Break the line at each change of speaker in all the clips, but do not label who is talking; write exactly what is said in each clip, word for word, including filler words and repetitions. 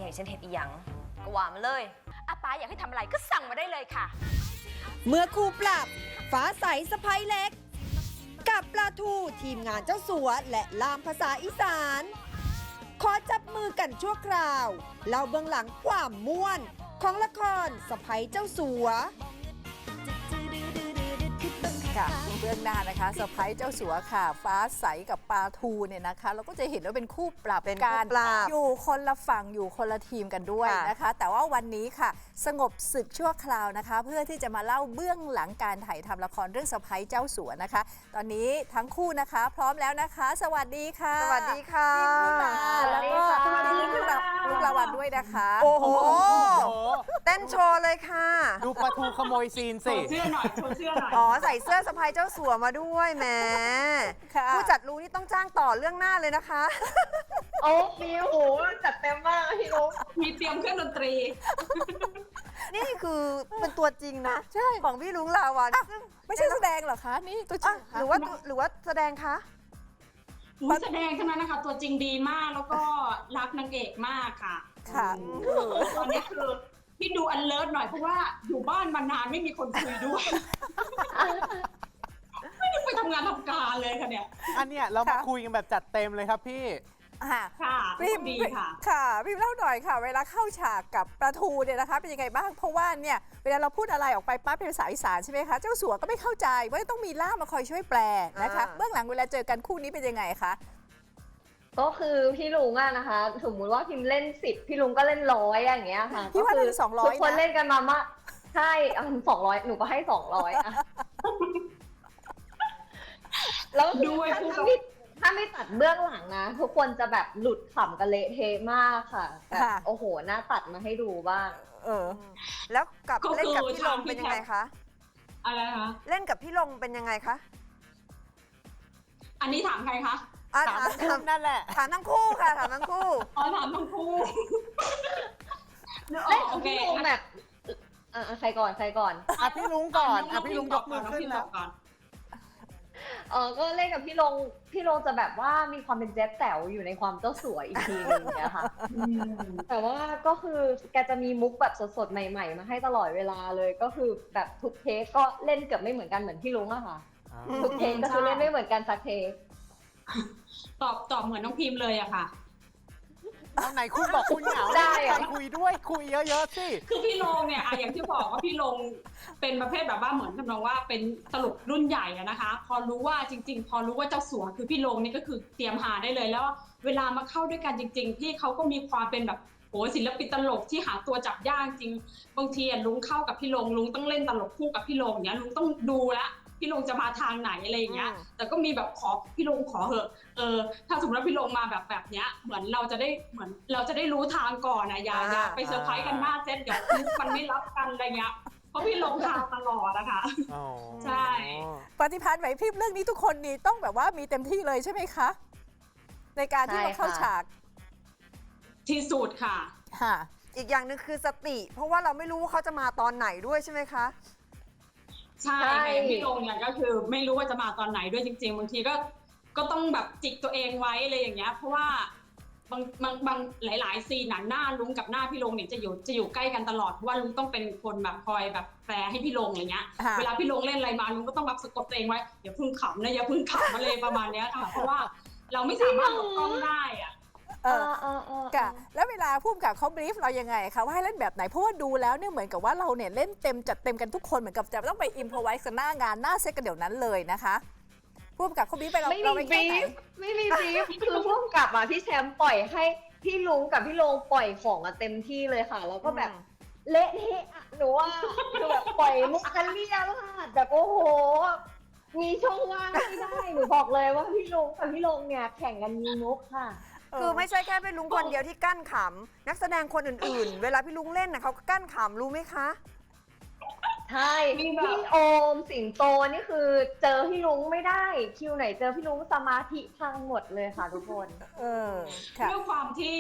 อยากให้ฉันเห็นอีหยังก็ว่ามาเลยอาป้าอยากให้ทำอะไรก็สั่งมาได้เลยค่ะ
เมื่อคู่ปรับฟ้าใสสะพ้ยเล็ก กับปลาทูทีมงานเจ้าสัวและลามภาษาอีสานขอจับมือกันชั่วคราวเล่าเบื้องหลังความม่วนของละครสะพ้ยเจ้าสัว
ค่ะเบื้องหน้านะคะเซอร์ไพรส์เจ้าสัวค่ะฟ้าใสกับปลาทูเนี่ยนะคะเราก็จะเห็นว่าเป็นคู่ปรับกันอยู่คนละฝั่งอยู่คนละทีมกันด้วยนะคะแต่ว่าวันนี้ค่ะสงบศึกชั่วคราวนะคะเพื่อที่จะมาเล่าเบื้องหลังการถ่ายทำละครเรื่องเซอร์ไพรส์เจ้าสัวนะคะตอนนี้ทั้งคู่นะคะพร้อมแล้วนะคะสวัสดีค่ะ
สวัสดีค่ะ
แล้วก็พี่ลูกลูกละวันด้วยนะคะ
โอ้โหเต้นโชว์เลยค่ะ
ดูปลาทูขโมยซีนสิ
เสื้อหน่อยโชว์เสื้อหน่อย
อ๋อใส่เสื้อสะพ้ยเจ้าสัวมาด้วยแหมผู้จัดรู้นี่ต้องจ้างต่อเรื่องหน้าเลยนะคะ
โอ้พี่โอ้จัดเต็มมากพี่ลูกมีเตรียมเครื่องดนตรี
นี่คือเป็นตัวจริงนะใช่ของพี่ลุงลาวันซึ่ง
ไม่ใช่แสดงเหรอคะนี่ตัวจริง
หรือว่าหรือว่าแสดงคะ
แสดงเท่านั้นนะคะตัวจริงดีมากแล้วก็รักนางเอกมากค่ะ
ค่ะ
ตอนนี้คือพี่ดูอันเลิศหน่อยเพราะว่าอยู่บ้านมานานไม่มีคนคุยด้วยไม่ได้ไปทำงานทำการเลยค่ะเนี่ย
อันเนี้ยเรามาคุยกันแบบจัดเต็มเลยครับพี่
ค่ะ
พี่
ดีค่ะ
ค่ะพี่เล่าหน่อยค่ะเวลาเข้าฉากกับปลาทูเนี่ยนะคะเป็นยังไงบ้างเพราะว่าเนี่ยเวลาเราพูดอะไรออกไปปั๊บเป็นภาษาอีสานใช่ไหมคะเจ้าสัวก็ไม่เข้าใจว่าต้องมีล่ามมาคอยช่วยแปลนะคะเบื้องหลังเวลาเจอกันคู่นี้เป็นยังไงคะ
ก็คือพี่ลุงอะนะคะสมมุติว่าพิมเล่นสิบพี่ลุงก็เล่นร้อยอย่างเงี้ยค่ะ
พี่ว่าเล่นสองร้อย
ทุกคนเล่นกันมามากใช่สองร้อยหนูก็ให้สองร้อยอะแล้วด้วยถ้าไม่ถ้าไม่ตัดเบื้องหลังนะทุกคนจะแบบหลุดขำกันเละเทะมากค่ะแบบโอ้โหน่าตัดมาให้ดูบ้าง
เออแล้วกับเล่นกับพี่ลงเป็นยังไงคะ
อะไรคะ
เล่นกับพี่ลงเป็นยังไงคะ
อันนี้ถามใครคะ
ถาม
ถามนั่นแหละ
ถามทั้งคู่ค่ะถามทั้งคู่
อ๋อถามทั้งคู่
เล่นกับพี่ลุงแบบอ่ะใครก่อนใครก่อน
อ่ะพี่ลุงก่อนอ่ะพี่ลุงยกมือขึ้นแล้ว
เออก็เล่นกับพี่ลงพี่ลงจะแบบว่ามีความเป็นแจ๊สแต๋วอยู่ในความเจ้าสัวอีกทีนึงเนี่ยค่ะแต่ว่าก็คือแกจะมีมุกแบบสดๆใหม่ๆมาให้ตลอดเวลาเลยก็คือแบบทุกเทคก็เล่นเกือบไม่เหมือนกันเหมือนพี่ลุงอะค่ะทุกเทคก็คือเล่นไม่เหมือนกันสักเทค
ตอบตอบเหมือนน้องพิมพ์เลยอะค่ะ
ตอนไหนคุณบอกคุณเหงาได้ใครคุยด้วยคุยเยอะๆสิ
คือพี่ลงเนี่ยอะอย่างที่บอกว่าพี่ลงเป็นประเภทแบบว่าเหมือนทำนองว่าเป็นตลกรุ่นใหญ่อะนะคะพอรู้ว่าจริงๆพอรู้ว่าเจ้าสัวคือพี่ลงนี่ก็คือเตรียมหาได้เลยแล้วเวลามาเข้าด้วยกันจริงๆพี่เขาก็มีความเป็นแบบโหศิลปินตลกที่หาตัวจับยากจริงบางทีลุงเข้ากับพี่ลงลุงต้องเล่นตลกคู่กับพี่ลงเนี้ยลุงต้องดูแลพี่ลงจะมาทางไหนอะไรอย่างเงี้ยแต่ก็มีแบบขอพี่ลงขอเหอะเออถ้าสมมติว่าพี่ลงมาแบบแบบเนี้ยเหมือนเราจะได้เหมือนเราจะได้รู้ทางก่อนนะอย่าอย่าไปเซอร์ไพรส์กันหน้าเซตเดี๋ยวมันไม่รับกันอะไรเงี้ยเพราะพี่ลงทางตลอดนะคะใช่
ปฏิภาณไหวพริบเรื่องนี้ทุกคนนี่ต้องแบบว่ามีเต็มที่เลยใช่ไหมคะในการที่มาเข้าฉาก
ที่สุดค่ะ
ค่ะ
อีกอย่างหนึ่งคือสติเพราะว่าเราไม่รู้ว่าเขาจะมาตอนไหนด้วยใช่ไหมคะ
ใช่พี่ลงเนี่ยก็คือไม่รู้ว่าจะมาตอนไหนด้วยจริงๆบางทีก็ก็ต้องแบบจิกตัวเองไว้อะไรอย่างเงี้ยเพราะว่าบางบางบางหลายๆซีนหน้าลุงกับหน้าพี่ลงเนี่ยจะอยู่จะอยู่ใกล้กันตลอดเพราะว่าลุงต้องเป็นคนแบบคอยแบบแปลให้พี่ลงอย่างเงี้ยเวลาพี่ลงเล่นอะไรมาลุงก็ต้องแบบสะกดตัวเองไว้อย่าพึ่งขำนะอย่าพึ่งขำอะไรประมาณเนี้ยค่ะเพราะว่าเราไม่สามารถหลบกล้องได้อะ
เออเออเออแล้วเวลาผู้กำกับเขาบรีฟเรายังไงคะว่าให้เล่นแบบไหนเพราะว่าดูแล้วเนี่ยเหมือนกับว่าเราเนี่ยเล่นเต็มจัดเต็มกันทุกคนเหมือนกับจะต้องไปอิมพอไวส์กันหน้างานหน้าเซตกันเดี๋ยวนั้นเลยนะคะผู้กำกับเขาบรีฟไปเราเราไม่มีบรีฟ
ไม่มีบรีฟคือผู้กำกับอ่ะพี่แชมป์ปล่อยให้พี่ลุงกับพี่ลงปล่อยของอ่ะเต็มที่เลยค่ะแล้วก็แบบเละเทะหนูว่าคือแบบปล่อยมุกกันเรียแล้วค่ะแบบโอ้โหมีช่องว่างไม่ได้หนูบอกเลยว่าพี่ลุงกับพี่ลงเนี่ยแข่งกันมีมุกค่ะ
คือไม่ใช่แค่เป็นลุงคนเดียวที่กั้นขำนักแสดงคนอื่นๆเวลาพี่ลุงเล่นนะเขาก็กั้นขำรู้ไหมคะ
ใช่พี่โอมสิงโตนี่คือเจอพี่ลุงไม่ได้คิวไหนเจอพี่ลุงสมาธิพังหมดเลยค่ะทุกคน
เออด้วยความที่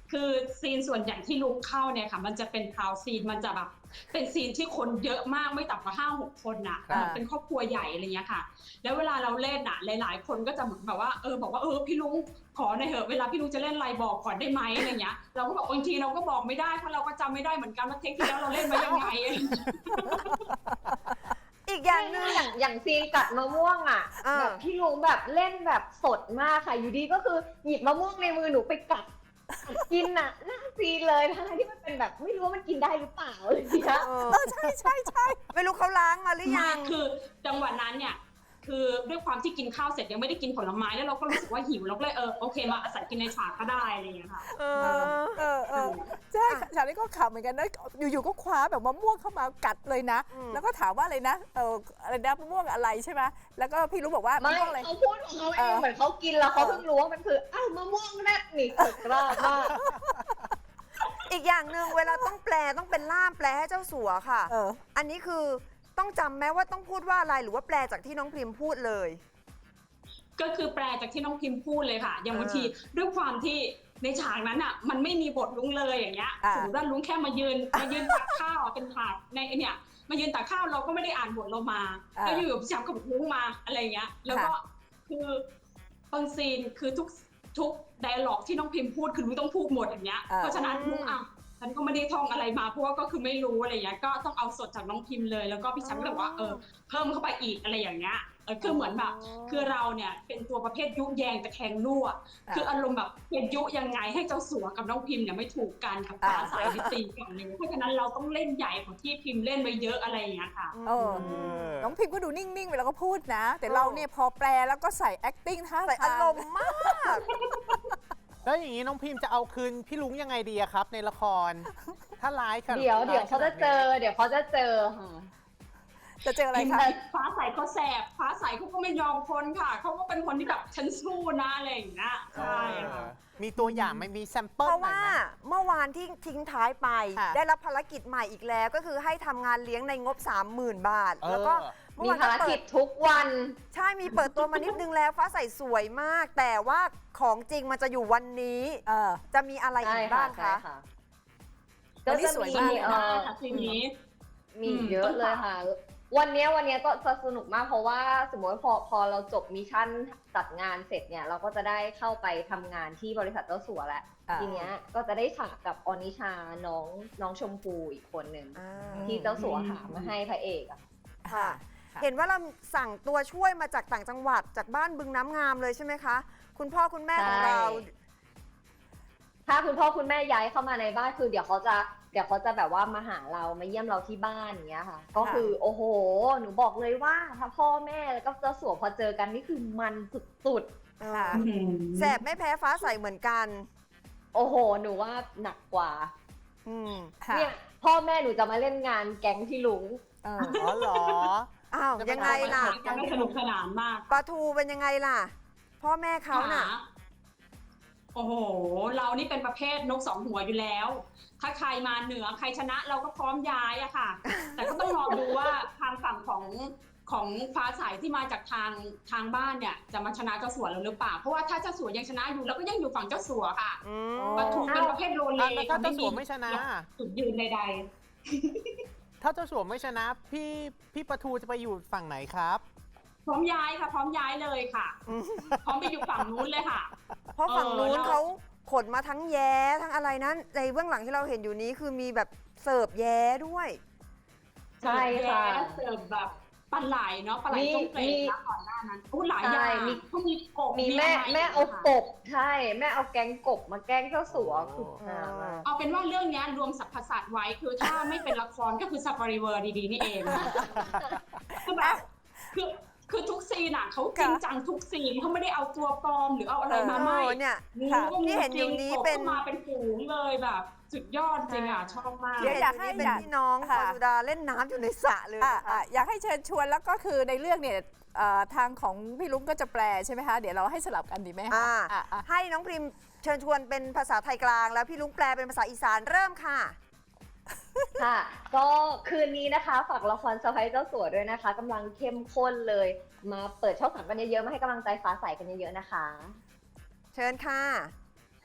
คือซีนส่วนใหญ่ที่ลุกเข้าเนี่ยค่ะมันจะเป็นคราวซีนมันจะแบบเป็นซีนที่คนเยอะมากไม่ต่ำกว่าห้าหกคนน่ะ
ค่ะ
เป็นครอบครัวใหญ่อะไรเงี้ยค่ะแล้วเวลาเราเล่นน่ะหลายๆคนก็จะเหมือนแบบว่าเออบอกว่าเออพี่ลุงขอหน่อยเถอะเวลาพี่ลุงจะเล่นอะไรบอกก่อนได้ไหมอะไรเงี้ยเราก็บอกบางทีเราก็บอกไม่ได้เพราะเราก็จำไม่ได้เหมือนกันว่าเทคที่แล้วเราเล่นไว้ยังไงอะไรเงี้ย
อีกอย่างหนึ่ง
อย่างอย่างซีนกัดมะม่วงอ่ะ
อ่า
แบบพี่ลุงแบบเล่นแบบสดมากค่ะ อยู่ดีก็คือหยิบมะม่วงในมือหนูไปกัดกินอ่ะหน้าซีนเลยทั้งที่มันเป็นแบบไม่รู้ว่ามันกินได้หรือเปล่าอะไรอย่างเงี้ย
เออ
เออใช่ใช่ใช่
ไม่รู้เขาล้างมาหรือยัง
คือจังหวะนั้นเนี่ยคือด้วยความที่กินข้าวเสร็จยังไม่ได้กินผลไม้แล้วเราก็รู้สึกว่าหิวเราก็เลยเออโอเคมาอาศัยกินในฉากก็ได้อะไรอย่างเงี้ยค่ะ
เอ
เอ
อ
อเออเออใช่ฉากนี้ก็ขำเหมือนกันนะอยู่ๆก็คว้าแบบมะม่วงเข้ามากัดเลยนะ
อืม
แล้วก็ถามว่าอะไรนะเอออะไรนะมะม่วงอะไรใช่ไหมแล้วก็พี่รู้บอกว่า
ไม่
มะม่วงอะไร
เขาพูดของเขาเอ
เอง อ
เหมือนเขากินแล้วเขาเพิ่งรู้ว่ามันคืออ้าวมะม่วงแรดนี่สุดยอดมาก
อีกอย่างหนึ่งเวลาต้องแปลต้องเป็นล่ามแปลให้เจ้าสัวค่ะ
เออ
อันนี้คือต้องจำแม้ว่าต้องพูดว่าอะไรหรือว่าแปลจากที่น้องพริมพูดเลย
ก็คือแปลจากที่น้องพิมพ์พูดเลยค่ะ อย่างบางที
อ่า
ด้วยความที่ในฉากนั้นอ่ะ มันไม่มีบทลุงเลยอย่างเงี้ย
อ่า
สมมติว่าลุงแค่มายืนมายืนตักข้าวอ่ะเป็นฉากในไอ้เนี่ยมายืนตักข้าวเราก็ไม่ได้อ่านบทเรามาแล้วอยู่ๆพี่แชมป์ก็บอกลุงมาอะไรอย่างเงี้ย แล้วก็คือบางซีนคือทุกทุกไดอะล็อกที่น้องพิมพ์พูดคือลุงต้องพูดหมดอย่างเงี้ย เพราะฉะนั้นลุงอ่ะฉันก็ไม่ได้ท่องอะไรมาเพราะว่าก็คือไม่รู้อะไรอย่างเงี้ยก็ต้องเอาสดจากน้องพิมพ์เลยแล้วก็พี่แชมป์ก็บอกว่าเออเพิ่มเข้าไปอีกอะไรอย่างเงี้ยเออคือเหมือนแบบคือเราเนี่ยเป็นตัวประเภทยุแยงตะแคงรั่วคืออารมณ์แบบเป็นยุยังไงให้เจ้าสัวกับน้องพิมพ์เนี่ยไม่ถูกกันกับฟ้าสายวิตีกันเลยเพราะฉะนั้นเราต้องเล่นใหญ่กว่าที่พิมพ์เล่นไปเยอะอะไรอย่างเงี้ยค่ะ
เออน้องพิมก็ดูนิ่งๆเวลาก็พูดนะ แต่เราเนี่ยพอแปลแล้วก็ใส่ acting ท่า
ใส่
ทาง
อารมณ์มาก
แล้วอย่างนี้น้องพิมพ์จะเอาคืนพี่ลุงยังไงดีอะครับ ในละคร ถ้าร้ายค่ะ
เดี๋ยวเดี๋ยวเขาจะเจอ เดี๋ยวเขาจะเจอค่ะ
จะเจออะไรคะ
ฟ้าใสเขาแสบฟ้าใสเขาก็ไม่ยอมคนค่ะเขาก็เป็นคนที่แบบฉันสู้นะอะไรอย่างเงี้ยใช่ค่ะ
มีตัวอย่างไหม่มีแซมเปิล
เพราะ
หน่อย
ว่า
ไหม
เมื่อวานที่ทิ้งท้ายไป
ค่ะ
ได้รับภารกิจใหม่อีกแล้ว ก็คือให้ทำงานเลี้ยงในงบ สามหมื่น บาท
เออ
แล้วก็เมื่อ
มี
วาน
ภาร
ก็เปิ
กิ
ด
จทุกวัน
ใช่มีเปิดตัวมานิดนึงแล้ว ฟ้าใสสวยมาก แต่ว่าของจริงมันจะอยู่วันนี้
เออ
จะมีอะไรอี
ใช่
ก
ค่ะ
บ้าง
ใช่
คะ
ค่ะ
วั
ก็
นนี้
จะ
สวย
มี
มาก
เอ่อ
ค่ะทีนี้
มี
อืม
เยอะเลยค่ะ วันเนี้ยวันเนี้ยก็จะสนุกมากเพราะว่าสมมติว่าพอพอเราจบมิชชั่นจัดงานเสร็จเนี่ย เราก็จะได้เข้าไปทำงานที่บริษัทเจ้าสัวแล้ว
อ่า
ทีเนี้ยก็จะได้ฉากกับออนิชาน้องน้องชมพูอีกคนหนึ่ง
อ่า
ที่เจ้าสัวหามาให้พระเอกอะ
ค่ะ
ค่ะ
เห็นว่าเราสั่งตัวช่วยมาจากต่างจังหวัดจากบ้านบึงน้ำงามเลยใช่ไหมคะ คุณพ่อคุณแม่ของเรา
ถ้าคุณพ่อคุณแม่ย้ายเข้ามาในบ้านคือเดี๋ยวเขาจะเดี๋ยวเขาจะแบบว่ามาหาเรามาเยี่ยมเราที่บ้านอย่างเงี้ยค่ะ ก็คือโอ้โห หนูบอกเลยว่าถ้าพ่อแม่แล้วก็เจ้าสัวพอเจอกันนี่คือมันสุด
ค่ะ
แสบไม่แพ้ฟ้าใสเหมือนกัน
ๆ โอ้โห หนูว่าหนักกว่า
อืม
ค่ะ
เนี่ยพ่อแม่หนูจะมาเล่นงานแก๊งพี่ลุง
เออ
อ๋อเหรอ
อ้าว
จะเป็น
ยังไงล่ะ
ยังไม่สนุกสนานมาก
ปลาทูเป็นยังไงล่ะ พ่อแม่เขาน่ะ
หโอ้โห เรานี่เป็นประเภทนกสองหัวอยู่แล้ว ถ้าใครมาเหนือใครชนะเราก็พร้อมย้ายอะค่ะ แต่ก็ต้องรอดูว่าทางฝั่งของของฟ้าใสที่มาจากทางทางบ้านเนี่ยจะมาชนะเจ้าสัวเราหรือเปล่า เพราะว่าถ้าเจ้าสัวยังชนะอยู่เราก็ยังอยู่ฝั่งเจ้าสัวค่ะ
อืม
ปทุมเป็นประเภทโรเล
อ่ะแล้วถ้าเจ้าสัวไม่ชนะ
จุดยืนใด
ถ้าเจ้าสัวไม่ชนะ พี่พี่ประทูจะไปอยู่ฝั่งไหนครับ
ๆ พร้อมย้ายค่ะ พร้อมย้ายเลยค่ะ พร้อมไปอยู่ฝั่งนู้นเลยค่ะ
เพราะฝั่งนู้น
เออแล้ว
เขาขนมาทั้งแย้ทั้งอะไรนั้นในเบื้องหลังที่เราเห็นอยู่นี้คือมีแบบเสิร์ฟแย้ด้วย
ใช่ค่ะ
แย่เสิร์ฟแบบปลาไหลเนาะปลาไหล
มี
ต้มเปร
มี
ตนะก่อนหน้านั้นอู้หลายอย่า
ใช่
ง
มี
เขามีกบ
มีแม่
ะไร
แม่เอา
ค่ะ
กบใช่แม่เอาแก๊งกบมาแกล้งเจ้าสัวคือฮามาก
เอาเป็นว่าเรื่องเนี้ยรวมสรรพสัตว์ไว้คือถ้าไม่เป็นละครก็คือซาฟารีเวอร์ดีๆนี่เองคือแบบคือคือทุกซีนอ่ะเขาจริงจังทุกซีนเขาไม่ได้เอาตัวปลอมหรือเอาอะไรมาไม่
เออเนี่ย
งู
ค่ะ
ก็
ที่
งู
เห็น
จ
อยู่
ริง
นี้
กบ
เป็น
ก็มาเป็นฝูงเลยแบบสุดยอดจริงอ่ะชอบมาก
เดี๋ยวอยากให้
นี่เป็นพี่น้องพ
ค่ะ
อสุดาเล่นน้ำอยู่ในสระเลย
อ่ะ
นะคะ
อ่ะอยากให้เชิญชวนแล้วก็คือในเรื่องเนี่ยเอ่อทางของพี่ลุงก็จะแปลใช่ไหมคะ เดี๋ยวเราให้สลับกันดีไหมคะ
อ่า
อ่ะอ่ะ
ให้น้องพริมเชิญชวนเป็นภาษาไทยกลาง แล้วพี่ลุงแปลเป็นภาษาอีสานเริ่มค่ะ
ค่ะ ก็คืนนี้นะคะฝากละครสะใภ้เจ้าสัวด้วยนะคะกำลังเข้มข้นเลย มาเปิดช่องสามกันเยอะๆมาให้กำลังใจฟ้าใสกันเยอะๆนะคะ
เชิญค่ะ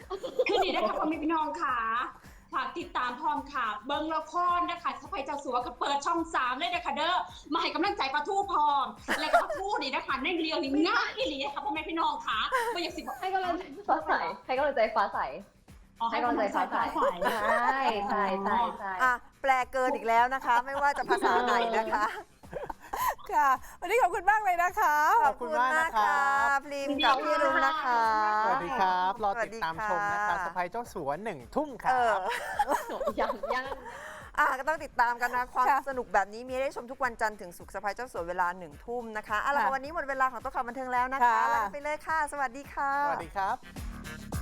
คือนี่นะคะพ่อแม่พี่น้องค่ะฝากติดตามพร้อมค่ะเบิ้งละครนะคะสะพายเจ้าสัวก็เปิดช่องสามเลยนะคะเด้อมาให้กำลังใจปลาทูพร้อมแล้วก็ปลาทูนี่นะคะในเรียวนี่ง่ายอีหลีค่ะพ่อแม่พี่น้องค่ะไม่อยากสิบอก
ให้กำลังใจฟ้าใสให้กำลังใจฟ้าใส
อ๋อ
ให้กำลังใจฟ้าใสใช่ใช่ใช่ใช่
อ่ะแปลเกินอีกแล้วนะคะ ไม่ว่าจะภาษาไหนนะคะ
ค่ะ วันนี้ขอบคุณมากเลยนะคะ
ขอบคุณมากนะครับ
พรีมกับพี่รุ้งนะคะ
สวัสดีครับ รอ
สวั
ติ
ส
ด
ดี
ตาม
ค่ะ
ชมนะคะสะพายเจ้าสัวหนึ่งทุ่มค
เอ
รั
อบ
ยังยัง
อ่ะก็ต้องติดตามกันนะ ความ
ค่ะ
สนุกแบบนี้มีให้ได้ชมทุกวันจันทร์ถึงศุกร์สะพายเจ้าสัวเวลาหนึ่งทุ่มนะคะอ่ะแล้ว
ค่ะ
วันนี้หมดเวลาของโต๊ะข่าวบันเทิงแล้วนะคะ
ค่ะ
ลาไปเลยค่ะ สวัสดีค่ะ
สวัสดีครับ